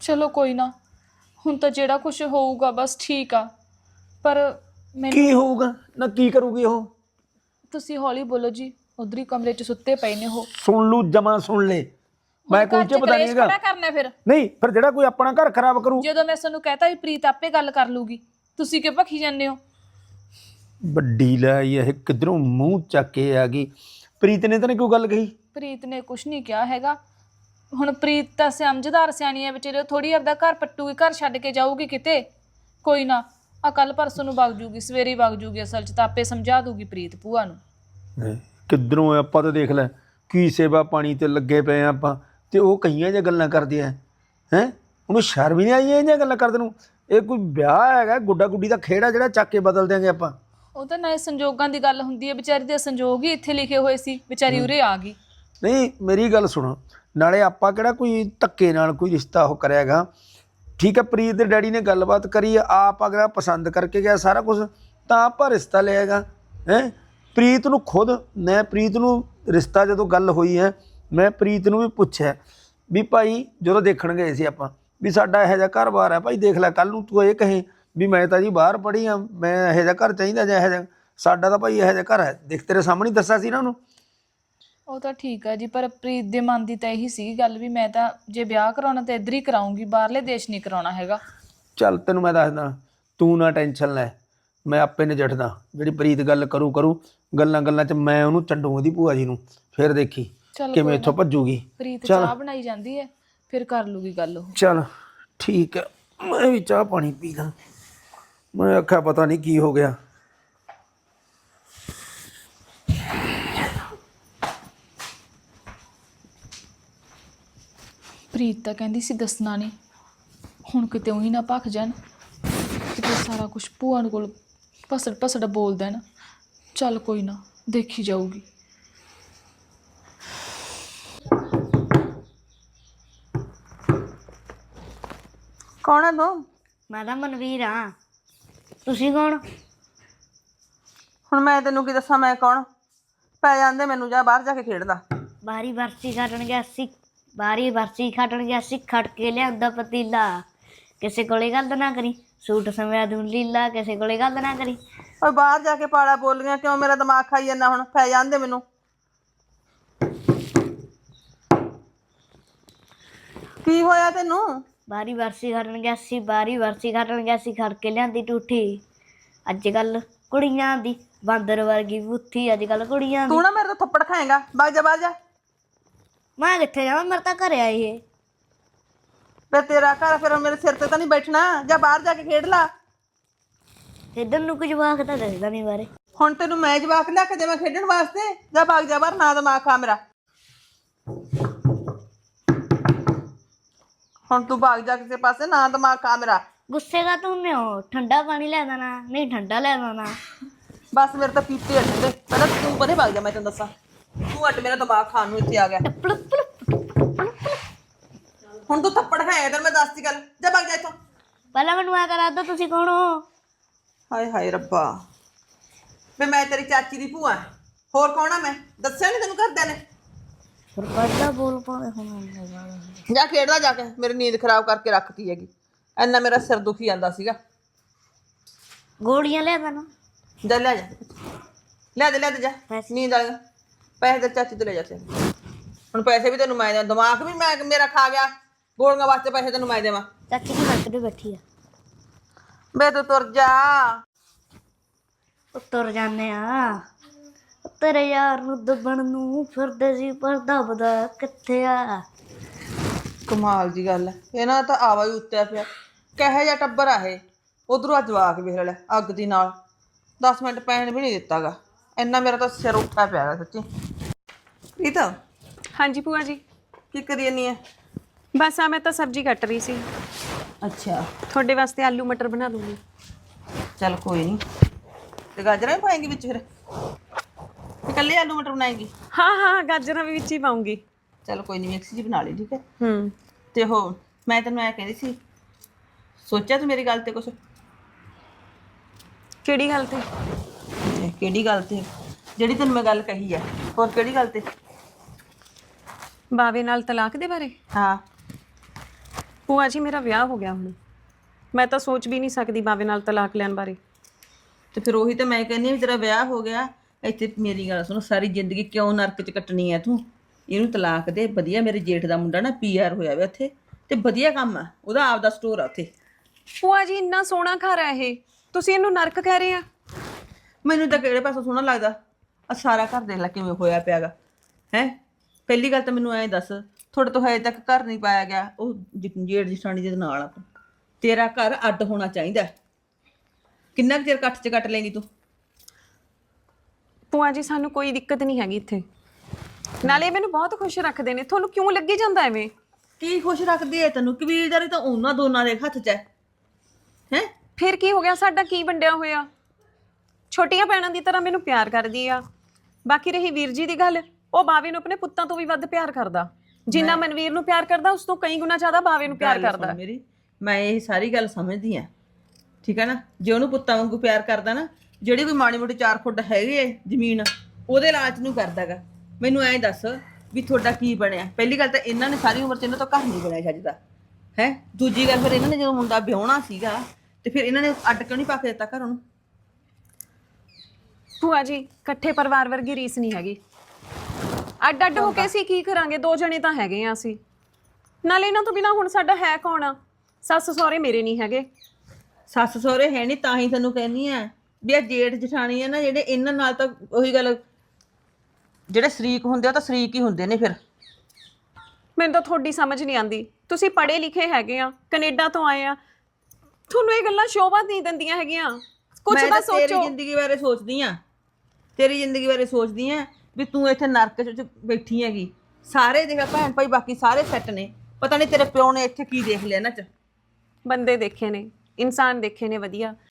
Speaker 2: ਚਲੋ ਕੋਈ ਨਾ, ਹੁਣ ਤਾਂ ਜਿਹੜਾ ਕੁਝ ਹੋਊਗਾ ਬਸ ਠੀਕ ਆ, ਪਰ ਮੈਨੂੰ
Speaker 1: ਕੀ ਹੋਊਗਾ ਨਾ, ਕੀ ਕਰੂਗੀ ਉਹ?
Speaker 2: ਤੁਸੀਂ ਹੌਲੀ ਬੋਲੋ ਜੀ, ਉਧਰ ਹੀ ਕਮਰੇ 'ਚ ਸੁੱਤੇ ਪਏ ਨੇ ਉਹ।
Speaker 1: ਸੁਣ ਲੂ, ਜਮਾ ਸੁਣ ਲੈ, ਮੈਂ ਕੋਈ ਚ ਪਤਾ ਨਹੀਂ ਹੈਗਾ।
Speaker 2: ਕਿਹੜਾ ਕਰਨਾ ਫਿਰ?
Speaker 1: ਨਹੀਂ ਫਿਰ ਜਿਹੜਾ ਕੋਈ ਆਪਣਾ ਘਰ ਖਰਾਬ ਕਰੂ।
Speaker 2: ਜਦੋਂ ਮੈਂ ਤੁਹਾਨੂੰ ਕਹਤਾ ਵੀ ਪ੍ਰੀਤ ਆਪੇ ਗੱਲ ਕਰ ਲੂਗੀ, ਤੁਸੀਂ ਕਿਉਂ ਭੱਖੀ ਜਾਂਦੇ ਹੋ?
Speaker 1: ਵੱਡੀ ਲੈ ਇਹ ਕਿਧਰੋਂ ਮੂੰਹ ਚੱਕ ਕੇ ਆ ਗਈ। ਪ੍ਰੀਤ ਨੇ ਤਾਂ ਨਹੀਂ ਕੋਈ ਗੱਲ ਕਹੀ?
Speaker 2: ਪ੍ਰੀਤ ਨੇ ਕੁਝ ਨਹੀਂ ਕਿਹਾ ਹੈਗਾ। ਹੁਣ ਪ੍ਰੀਤ ਤਾਂ ਸਮਝਦਾਰ ਸਿਆਣੀ ਹੈ ਵਿਚਾਰੀ, ਥੋੜੀ ਆਪਦਾ ਘਰ ਪੱਟੂਗੀ, ਘਰ ਛੱਡ ਕੇ ਜਾਊਗੀ ਕਿਤੇ। ਕੋਈ ਨਾ, ਆ ਕੱਲ ਪਰਸੋਂ ਨੂੰ ਵਗ ਜੂਗੀ, ਸਵੇਰੇ ਵਗ ਜੂਗੀ, ਅਸਲ 'ਚ ਤਾਂ ਆਪੇ ਸਮਝਾ ਦੂਗੀ ਪ੍ਰੀਤ ਭੂਆ ਨੂੰ।
Speaker 1: ਕਿੱਧਰੋਂ ਆਪਾਂ ਤਾਂ ਦੇਖ ਲੈ ਕੀ ਸੇਵਾ ਪਾਣੀ ਤੇ ਲੱਗੇ ਪਏ ਆਪਾਂ, ਤੇ ਉਹ ਕਈਆਂ ਜਿਹੀਆਂ ਗੱਲਾਂ ਕਰਦੀ ਹੈ। ਉਹਨੂੰ ਸ਼ਰਮ ਹੀ ਨਹੀਂ ਆਈ ਇਹ ਜਿਹੀਆਂ ਗੱਲਾਂ ਕਰਦੇ ਨੂੰ? ਇਹ ਕੋਈ ਵਿਆਹ ਹੈਗਾ, ਗੁੱਡਾ ਗੁੱਡੀ ਦਾ ਖੇੜਾ ਜਿਹੜਾ ਚੱਕ ਕੇ ਬਦਲ ਦਿਆਂਗੇ ਆਪਾਂ?
Speaker 2: ਉਹ ਤਾਂ ਨਾ ਸੰਜੋਗਾਂ ਦੀ ਗੱਲ ਹੁੰਦੀ ਹੈ, ਵਿਚਾਰੀ ਦੇ ਸੰਜੋਗ ਹੀ ਇੱਥੇ ਲਿਖੇ ਹੋਏ ਸੀ, ਵਿਚਾਰੀ ਉਰੇ ਆ ਗਈ।
Speaker 1: ਨਹੀਂ ਮੇਰੀ ਗੱਲ ਸੁਣੋ, ਨਾਲੇ ਆਪਾਂ ਕਿਹੜਾ ਕੋਈ ਧੱਕੇ ਨਾਲ ਕੋਈ ਰਿਸ਼ਤਾ ਉਹ ਕਰਿਆਗਾ। ਠੀਕ ਹੈ, ਪ੍ਰੀਤ ਦੇ ਡੈਡੀ ਨੇ ਗੱਲਬਾਤ ਕਰੀ, ਆਪ ਅਗਰ ਪਸੰਦ ਕਰਕੇ ਗਿਆ ਸਾਰਾ ਕੁਝ, ਤਾਂ ਆਪਾਂ ਰਿਸ਼ਤਾ ਲਿਆਗਾ। ਪ੍ਰੀਤ ਨੂੰ ਖੁਦ, ਮੈਂ ਪ੍ਰੀਤ ਨੂੰ ਰਿਸ਼ਤਾ ਜਦੋਂ ਗੱਲ ਹੋਈ ਹੈ, ਮੈਂ ਪ੍ਰੀਤ ਨੂੰ ਵੀ ਪੁੱਛਿਆ ਵੀ ਭਾਈ ਜਦੋਂ ਦੇਖਣ ਗਏ ਸੀ ਆਪਾਂ, ਵੀ ਸਾਡਾ ਇਹੋ ਜਿਹਾ ਘਰ-ਬਾਰ ਹੈ ਭਾਈ, ਦੇਖ ਲੈ ਕੱਲ੍ਹ ਨੂੰ ਤੂੰ ਇਹ ਕਹੇ ਵੀ ਮੈਂ ਤਾਂ ਜੀ ਬਾਹਰ ਪੜ੍ਹੀ ਹਾਂ, ਮੈਂ ਇਹੋ ਜਿਹਾ ਘਰ ਚਾਹੀਦਾ ਜਾਂ ਇਹੋ ਜਿਹਾ, ਸਾਡਾ ਤਾਂ ਭਾਈ ਇਹੋ ਜਿਹਾ ਘਰ ਹੈ। ਦੇਖ ਤੇਰੇ ਸਾਹਮਣੇ ਹੀ ਦੱਸਿਆ ਸੀ ਨਾ ਉਹਨੂੰ।
Speaker 2: ਉਹ ਤਾਂ ਠੀਕ ਆ ਜੀ, ਪਰ ਪ੍ਰੀਤ ਦੇ ਮਨ ਦੀ ਤਾਂ ਇਹੀ ਸੀ ਗੱਲ ਵੀ ਮੈਂ ਤਾਂ ਜੇ ਵਿਆਹ ਕਰਾਉਣਾ ਤਾਂ ਇੱਧਰ ਹੀ ਕਰਾਉਂਗੀ, ਬਾਹਰਲੇ ਦੇਸ਼ ਨਹੀਂ ਕਰਾਉਣਾ ਹੈਗਾ।
Speaker 1: ਚੱਲ ਤੈਨੂੰ ਮੈਂ ਦੱਸਦਾ, ਤੂੰ ਨਾ ਟੈਨਸ਼ਨ ਲੈ, ਮੈਂ ਆਪੇ ਨਜਿੱਠਦਾ। ਜਿਹੜੀ ਪ੍ਰੀਤ ਗੱਲ ਕਰੂ, ਗੱਲਾਂ ਗੱਲਾਂ 'ਚ ਮੈਂ ਉਹਨੂੰ ਛੱਡੂ ਉਹਦੀ ਭੂਆ ਜੀ ਨੂੰ, ਫਿਰ ਦੇਖੀ ਕਿਵੇਂ ਇੱਥੋਂ ਭੱਜੂਗੀ।
Speaker 2: ਪ੍ਰੀਤ ਚਾਹ ਬਣਾਈ ਜਾਂਦੀ ਹੈ, ਫਿਰ ਕਰ ਲੂਗੀ ਗੱਲ ਉਹ।
Speaker 1: ਚੱਲ ਠੀਕ ਹੈ, ਮੈਂ ਵੀ ਚਾਹ ਪਾਣੀ ਪੀਦਾ। ਮੈਂ ਆਖਿਆ ਪਤਾ ਨਹੀਂ ਕੀ ਹੋ ਗਿਆ।
Speaker 2: ਪ੍ਰੀਤ ਤਾਂ ਕਹਿੰਦੀ ਸੀ ਦੱਸਣਾ ਨਹੀਂ, ਹੁਣ ਕਿਤੇ ਉਹੀ ਨਾ ਭੱਖ ਜਾਣ, ਕਿਤੇ ਸਾਰਾ ਕੁਝ ਭੂਆ ਨੂੰ ਕੋਲ ਪਸੜ ਬੋਲ ਦੇਣ। ਚੱਲ ਕੋਈ ਨਾ, ਦੇਖੀ ਜਾਊਗੀ।
Speaker 3: ਕੌਣ ਹੈ ਤੂੰ?
Speaker 5: ਮੈਂ ਤਾਂ ਮਨਵੀਰ ਹਾਂ, ਤੁਸੀਂ ਕੌਣ?
Speaker 3: ਹੁਣ ਮੈਂ ਤੈਨੂੰ ਕੀ ਦੱਸਾਂ ਮੈਂ ਕੌਣ? ਪੈ ਜਾਂਦੇ ਮੈਨੂੰ, ਜਾ ਬਾਹਰ ਜਾ ਕੇ ਖੇਡਦਾ।
Speaker 5: ਬਾਰੀ ਵਰਸੀ ਖੱਟਣ ਗਿਆ ਸੀ, ਬਾਰੀ ਵਰਸੀ ਖੱਟਣ ਗਿਆ ਸੀ, ਖੜ ਕੇ ਲਿਆਂਦਾ ਪਤੀਲਾ। ਕਿਸੇ ਕੋਲੇ ਗੱਲ ਨਾ ਕਰੀ, ਸੂਟ ਸਮਿਆ ਦੂੰ ਲੀਲਾ, ਕਿਸੇ ਕੋਲੇ ਗੱਲ ਨਾ ਕਰੀ।
Speaker 3: ਓਏ ਬਾਹਰ ਜਾ ਕੇ ਪਾਲਾ ਬੋਲੀਆਂ ਕਿਉਂ? ਮੇਰਾ ਦਿਮਾਗ ਖਾਈ ਜਾਂਦਾ। ਹੁਣ ਪੈ ਜਾਂਦੇ ਮੈਨੂੰ। ਕੀ ਹੋਇਆ ਤੈਨੂੰ?
Speaker 5: ਬਾਰੀ ਵਰਸੀ ਖੱਟਣ ਗਿਆ ਸੀ, ਬਾਰੀ ਵਰਸੀ ਖੱਟਣ ਗਿਆ ਸੀ, ਖੜ ਕੇ ਲਿਆਂਦੀ ਟੂਠੀ। ਅੱਜ ਕੱਲ ਕੁੜੀਆਂ ਦੀ ਬਾਂਦਰ ਵਰਗੀ ਬੁੱਥੀ, ਅੱਜ ਕੱਲ ਕੁੜੀਆਂ ਦੀ।
Speaker 3: ਤੂੰ ਨਾ ਮੇਰੇ ਤੋਂ ਥੱਪੜ ਖਾਏਗਾ, ਬਾਹਰ ਜਾ ਬਾਹਰ ਜਾ।
Speaker 5: ਮੈਂ ਕਿੱਥੇ ਜਾਵਾਂ, ਮੇਰੇ ਤਾਂ ਘਰੇ ਆਈ ਇਹ।
Speaker 3: ਫਿਰ ਤੇਰਾ ਘਰ, ਫਿਰ ਮੇਰੇ ਸਿਰ ਤੇ ਤਾਂ ਨਹੀਂ ਬੈਠਣਾ। ਜਾ ਬਾਹਰ ਜਾ ਕੇ ਖੇਡ ਲਾ।
Speaker 5: ਖੇਡਣ ਨੂੰ ਕੁਝ ਜਵਾਕ ਤਾਂ ਦੱਸਦਾ ਨਹੀਂ ਬਾਰੇ।
Speaker 3: ਹੁਣ ਤੈਨੂੰ ਮੈਂ ਜਵਾਕ ਲਿਆ ਕੇ ਦੇਵਾਂ ਖੇਡਣ ਵਾਸਤੇ? ਜਾ ਭਾਗ ਜਾ ਬਾਹਰ, ਨਾ ਦਿਮਾਗ ਖਾ ਮੇਰਾ। ਹੁਣ ਤੂੰ ਭਾਗ ਜਾ ਕਿਸੇ ਪਾਸੇ, ਨਾ ਦਿਮਾਗ ਖਾ ਮੇਰਾ।
Speaker 5: ਗੁੱਸੇ ਦਾ ਤੂੰ ਨੇ ਠੰਡਾ ਪਾਣੀ ਲੈ ਦੇਣਾ, ਨਹੀਂ ਠੰਡਾ ਲੈ ਦੇਣਾ।
Speaker 3: ਬਸ ਮੇਰੇ ਤਾਂ ਪੀਤੇ ਅੱਡ ਦੇ। ਪਹਿਲਾਂ ਤੂੰ ਪਰੇ ਭਾਗ ਜਾ, ਮੈਂ ਤੈਨੂੰ ਦੱਸਾਂ। ਤੂੰ ਅੱਡ ਮੇਰਾ ਦਿਮਾਗ ਖਾਣ ਨੂੰ ਇੱਥੇ ਆ ਗਿਆ। ਹੁਣ ਤੂੰ ਥੱਪੜ ਖਾਏਗਾ ਤੈਨੂੰ ਮੈਂ ਦੱਸਦੀ ਗੱਲ। ਜਾ ਭਾਗ ਜਾ ਇੱਥੋਂ।
Speaker 5: ਪਹਿਲਾਂ ਮੈਨੂੰ ਆ ਕਰਾ ਦੋ, ਤੁਸੀਂ ਕੌਣ ਹੋ?
Speaker 3: ਹਾਏ ਹਾਏ ਰੱਬਾ, ਵੇ ਮੈਂ ਤੇਰੀ ਚਾਚੀ ਦੀ ਭੂਆ। ਹੋਰ ਕੌਣ ਆ ਮੈਂ? ਦੱਸਿਆ ਨਹੀਂ ਤੈਨੂੰ ਘਰਦਿਆਂ ਨੇ?
Speaker 5: ਫਿਰ ਪਹਿਲਾਂ ਬੋਲ ਪਾਵੇ ਹੁਣ।
Speaker 3: ਜਾ ਖੇਡਦਾ ਜਾ ਕੇ, ਮੇਰੀ ਨੀਂਦ ਖਰਾਬ ਕਰਕੇ ਰੱਖਤੀ ਹੈਗੀ। ਇੰਨਾ ਮੇਰਾ ਸਿਰ ਦੁਖੀ ਜਾਂਦਾ ਸੀਗਾ।
Speaker 5: ਗੋਲੀਆਂ ਲੈ ਦੇਣਾ।
Speaker 3: ਜਾ ਲੈ ਜਾ, ਲੈ ਦੇ ਜਾ। ਨੀਂਦ ਆ ਗਿਆ। ਪੈਸੇ ਤੇ ਚਾਚੀ ਤੋਂ ਲੈ ਜਾ। ਹੁਣ ਪੈਸੇ ਵੀ ਤੈਨੂੰ ਮੈਂ ਦੇਵਾਂ, ਦਿਮਾਗ ਵੀ ਮੈਂ ਮੇਰਾ ਖਾ ਗਿਆ। ਗੋਲੀਆਂ ਵਾਸਤੇ ਪੈਸੇ ਤੈਨੂੰ ਮੈਂ ਦੇਵਾਂ?
Speaker 5: ਚਾਚੀ ਦੀ ਸੜਕ ਤੇ ਬੈਠੀ ਆ।
Speaker 3: ਬੇ ਤੂੰ ਤੁਰ ਜਾ।
Speaker 5: ਤੁਰ ਜਾਂਦੇ ਆ। ਤੇਰੇ ਯਾਰ ਨੂੰ ਦੱਬਣ ਨੂੰ ਫਿਰਦੇ ਸੀ, ਪਰ ਦੱਬਦਾ ਕਿੱਥੇ ਆ?
Speaker 3: ਕਮਾਲ ਦੀ ਗੱਲ ਹੈ, ਇਹਨਾਂ ਦਾ ਤਾਂ ਆਵਾ ਹੀ ਉੱਤਿਆ ਪਿਆ। ਕਿਹੋ ਜਿਹਾ ਟੱਬਰ ਆ ਇਹ। ਉਧਰੋਂ ਅੱਜ ਜਵਾਕ ਵੇਖ ਲੈ ਅੱਗ ਦੀ ਨਾਲ, 10 ਮਿੰਟ ਪੈਣ ਵੀ ਨਹੀਂ ਦਿੱਤਾਗਾ। ਇੰਨਾ ਮੇਰਾ ਤਾਂ ਸਿਰ ਉੱਠਿਆ ਪਿਆ ਗਾ ਸੱਚੀ। ਇਹ ਤਾਂ
Speaker 4: ਹਾਂਜੀ ਭੂਆ ਜੀ।
Speaker 3: ਕੀ ਕਰੀ ਜਾਨੀ ਹੈ?
Speaker 4: ਬਸ ਆ ਮੈਂ ਤਾਂ ਸਬਜ਼ੀ ਕੱਟ ਰਹੀ ਸੀ।
Speaker 3: ਅੱਛਾ,
Speaker 4: ਤੁਹਾਡੇ ਵਾਸਤੇ ਆਲੂ ਮਟਰ ਬਣਾ ਦੂੰਗੀ।
Speaker 3: ਚੱਲ ਕੋਈ ਨਹੀਂ। ਤੇ ਗਾਜਰਾਂ ਵੀ ਪਾਏਂਗੀ ਵਿੱਚ? ਫਿਰ ਇਕੱਲੇ ਆਲੂ ਮਟਰ ਬਣਾਏਂਗੀ?
Speaker 4: ਹਾਂ ਗਾਜਰਾਂ ਵੀ ਵਿੱਚ ਹੀ ਪਾਉਂਗੀ।
Speaker 3: ਚੱਲ ਕੋਈ ਨਹੀਂ, ਮਿਕਸ ਜੀ ਬਣਾ ਲਈ, ਠੀਕ ਹੈ।
Speaker 4: ਹੂੰ।
Speaker 3: ਤੇ ਉਹ ਮੈਂ ਤੈਨੂੰ ਐ ਕਹਿੰਦੀ ਸੀ, ਸੋਚਿਆ ਤੂੰ ਮੇਰੀ ਗੱਲ ਤੇ ਕੁਛ?
Speaker 4: ਕਿਹੜੀ ਗੱਲ ਤੇ?
Speaker 3: ਕਿਹੜੀ ਗੱਲ ਤੇ? ਜਿਹੜੀ ਤੈਨੂੰ ਮੈਂ ਗੱਲ ਕਹੀ ਹੈ। ਹੋਰ ਕਿਹੜੀ ਗੱਲ ਤੇ?
Speaker 4: ਬਾਵੇ ਨਾਲ ਤਲਾਕ ਦੇ ਬਾਰੇ?
Speaker 3: ਹਾਂ।
Speaker 4: ਭੂਆ ਜੀ ਮੇਰਾ ਵਿਆਹ ਹੋ ਗਿਆ ਹੁਣ, ਮੈਂ ਤਾਂ ਸੋਚ ਵੀ ਨਹੀਂ ਸਕਦੀ ਬਾਵੇ ਨਾਲ ਤਲਾਕ ਲੈਣ ਬਾਰੇ।
Speaker 3: ਤੇ ਫਿਰ ਉਹੀ ਤਾਂ ਮੈਂ ਕਹਿੰਦੀ ਹਾਂ ਵੀ ਤੇਰਾ ਵਿਆਹ ਹੋ ਗਿਆ, ਇੱਥੇ ਮੇਰੀ ਗੱਲ ਸੁਣ, ਸਾਰੀ ਜ਼ਿੰਦਗੀ ਕਿਉਂ ਨਰਕ 'ਚ ਕੱਟਣੀ ਹੈ ਤੂੰ? ਇਹਨੂੰ ਤਲਾਕ ਦੇ, ਵਧੀਆ ਮੇਰੇ ਜੇਠ ਦਾ ਮੁੰਡਾ ਨਾ PR ਹੋਇਆ ਵਾ ਉੱਥੇ, ਤੇ ਵਧੀਆ ਕੰਮ ਆ ਉਹਦਾ, ਆਪਦਾ ਸਟੋਰ ਆ ਉੱਥੇ।
Speaker 4: ਭੂਆ ਜੀ ਇੰਨਾ ਸੋਹਣਾ ਘਰ ਹੈ ਇਹ, ਤੁਸੀਂ ਇਹਨੂੰ ਨਰਕ ਕਹਿ ਰਹੇ ਆ?
Speaker 3: ਮੈਨੂੰ ਤਾਂ ਕਿਹੜੇ ਪਾਸੋਂ ਸੋਹਣਾ ਲੱਗਦਾ, ਆ ਸਾਰਾ ਘਰ ਦੇਖ ਲੈ ਕਿਵੇਂ ਹੋਇਆ ਪਿਆਗਾ ਹੈ। ਪਹਿਲੀ ਗੱਲ ਤਾਂ ਮੈਨੂੰ ਐਂ ਦੱਸ, ਤੁਹਾਡੇ ਤੋਂ ਹਜੇ ਤੱਕ ਘਰ ਨਹੀਂ ਪਾਇਆ ਗਿਆ, ਉਹ ਜੇਠ ਜਠਾਣੀ ਦੇ ਨਾਲ ਆ ਤੂੰ, ਤੇਰਾ ਘਰ ਅੱਡ ਹੋਣਾ ਚਾਹੀਦਾ। ਕਿੰਨਾ ਕੁ ਚਿਰ ਕੱਟ 'ਚ ਕੱਟ ਲੇਂਗੀ ਤੂੰ?
Speaker 4: ਭੂਆ ਜੀ ਸਾਨੂੰ ਕੋਈ ਦਿੱਕਤ ਨਹੀਂ ਹੈਗੀ ਇੱਥੇ, ਨਾਲੇ ਇਹ ਮੈਨੂੰ ਬਹੁਤ ਖੁਸ਼ ਰੱਖਦੇ ਨੇ। ਤੁਹਾਨੂੰ ਕਿਉਂ ਲੱਗੀ ਜਾਂਦਾ ਐਵੇਂ?
Speaker 3: ਕੀ ਖੁਸ਼ ਰੱਖਦੀ ਐ ਤੈਨੂੰ? ਕਬੀਲਦਾਰੀ ਤਾਂ ਉਹਨਾਂ ਦੋਨਾਂ ਦੇ ਹੱਥ 'ਚ ਹੈ।
Speaker 4: ਫਿਰ ਕੀ ਹੋ ਗਿਆ? ਸਾਡਾ ਕੀ ਵੰਡਿਆ ਹੋਇਆ? ਛੋਟੀਆਂ ਭੈਣਾਂ ਦੀ ਤਰ੍ਹਾਂ ਮੈਨੂੰ ਪਿਆਰ ਕਰਦੀ ਆ। ਬਾਕੀ ਰਹੀ ਵੀਰ ਜੀ ਦੀ ਗੱਲ, ਉਹ ਬਾਵੇ ਨੂੰ ਆਪਣੇ ਪੁੱਤਾਂ ਤੋਂ ਵੀ ਵੱਧ ਪਿਆਰ ਕਰਦਾ। ਜਿੰਨਾ ਮਨਵੀਰ ਨੂੰ ਪਿਆਰ ਕਰਦਾ, ਉਸ ਤੋਂ ਕਈ ਗੁਣਾ ਜ਼ਿਆਦਾ ਬਾਵੇ ਨੂੰ ਪਿਆਰ ਕਰਦਾ।
Speaker 3: ਮੇਰੀ, ਮੈਂ ਇਹ ਸਾਰੀ ਗੱਲ ਸਮਝਦੀ ਆ, ਠੀਕ ਹੈ ਨਾ। ਜੇ ਉਹਨੂੰ ਪੁੱਤਾਂ ਵਾਂਗੂ ਪਿਆਰ ਕਰਦਾ ਨਾ, ਜਿਹੜੀ ਕੋਈ ਮਾੜੀ ਮੋਟੀ 4 ਫੁੱਟ ਹੈਗੀ ਏ ਜ਼ਮੀਨ, ਉਹਦੇ ਲਾਲਚ ਨੂੰ ਕਰਦਾਗਾ। ਮੈਨੂੰ ਐਂ ਦੱਸ ਵੀ ਤੁਹਾਡਾ ਕੀ ਬਣਿਆ? ਪਹਿਲੀ ਗੱਲ ਤਾਂ ਇਹਨਾਂ ਨੇ ਸਾਰੀ ਉਮਰ 'ਚ ਇਹਨਾਂ ਤੋਂ ਘਰ ਨਹੀਂ ਬਣਿਆ ਚੱਜਦਾ ਹੈ। ਦੂਜੀ ਗੱਲ, ਫਿਰ ਇਹਨਾਂ ਨੇ ਜਦੋਂ ਮੁੰਡਾ ਵਿਆਹੁਣਾ ਸੀਗਾ ਤੇ ਫਿਰ ਇਹਨਾਂ ਨੇ ਅੱਡ ਕਿਉਂ ਨਹੀਂ ਪਾ ਕੇ ਦਿੱਤਾ ਘਰ ਉਹਨੂੰ?
Speaker 4: ਭੂਆ ਜੀ ਇਕੱਠੇ ਪਰਿਵਾਰ ਵਰਗੀ ਰੀਸ ਨਹੀਂ ਹੈਗੀ। ਅੱਡ ਅੱਡ ਹੋ ਕੇ ਅਸੀਂ ਕੀ ਕਰਾਂਗੇ? 2 ਜਣੇ ਤਾਂ ਹੈਗੇ ਆ ਅਸੀਂ, ਨਾਲੇ ਇਹਨਾਂ ਤੋਂ ਬਿਨਾ ਹੁਣ ਸਾਡਾ ਹੈ ਕੌਣ ਆ? ਸੱਸ ਸਹੁਰੇ ਮੇਰੇ ਨਹੀਂ ਹੈਗੇ।
Speaker 3: ਸੱਸ ਸਹੁਰੇ ਹੈ ਨਹੀਂ, ਤਾਂ ਹੀ ਤੈਨੂੰ ਕਹਿੰਦੀ ਆ ਵੀ ਆ ਜੇਠ ਜਠਾਣੀ ਆ ਨਾ ਜਿਹੜੇ, ਇਹਨਾਂ ਨਾਲ ਤਾਂ ਉਹੀ ਗੱਲ, ਜਿਹੜੇ ਸ਼ਰੀਕ ਹੁੰਦੇ ਆ ਤਾਂ ਸ਼ਰੀਕ ਹੀ ਹੁੰਦੇ ਨੇ। ਫਿਰ
Speaker 4: ਮੈਨੂੰ ਤਾਂ ਤੁਹਾਡੀ ਸਮਝ ਨਹੀਂ ਆਉਂਦੀ। ਤੁਸੀਂ ਪੜ੍ਹੇ ਲਿਖੇ ਹੈਗੇ ਆ, ਕੈਨੇਡਾ ਤੋਂ ਆਏ ਆ, ਤੁਹਾਨੂੰ ਇਹ ਗੱਲਾਂ ਸ਼ੋਭਾ ਨਹੀਂ ਦਿੰਦੀਆਂ ਹੈਗੀਆਂ। ਕੁਝ
Speaker 3: ਮੈਂ
Speaker 4: ਤਾਂ
Speaker 3: ਤਾਂ ਤੇਰੀ
Speaker 4: ਸੋਚੋ।
Speaker 3: ਜ਼ਿੰਦਗੀ ਬਾਰੇ ਸੋਚਦੀ ਆ, ਤੇਰੀ ਜ਼ਿੰਦਗੀ ਬਾਰੇ ਸੋਚਦੀ ਆ ਵੀ ਤੂੰ ਇੱਥੇ ਨਰਕ 'ਚ ਬੈਠੀ ਹੈਗੀ। ਸਾਰੇ ਦੇਖ ਭੈਣ ਭਾਈ ਬਾਕੀ ਸਾਰੇ ਸੈੱਟ ਨੇ, ਪਤਾ ਨਹੀਂ ਤੇਰੇ ਪਿਓ ਨੇ ਇੱਥੇ ਕੀ ਦੇਖ ਲਿਆ ਇਹਨਾਂ 'ਚ।
Speaker 4: ਬੰਦੇ ਦੇਖੇ ਨੇ, ਇਨਸਾਨ ਦੇਖੇ ਨੇ ਵਧੀਆ।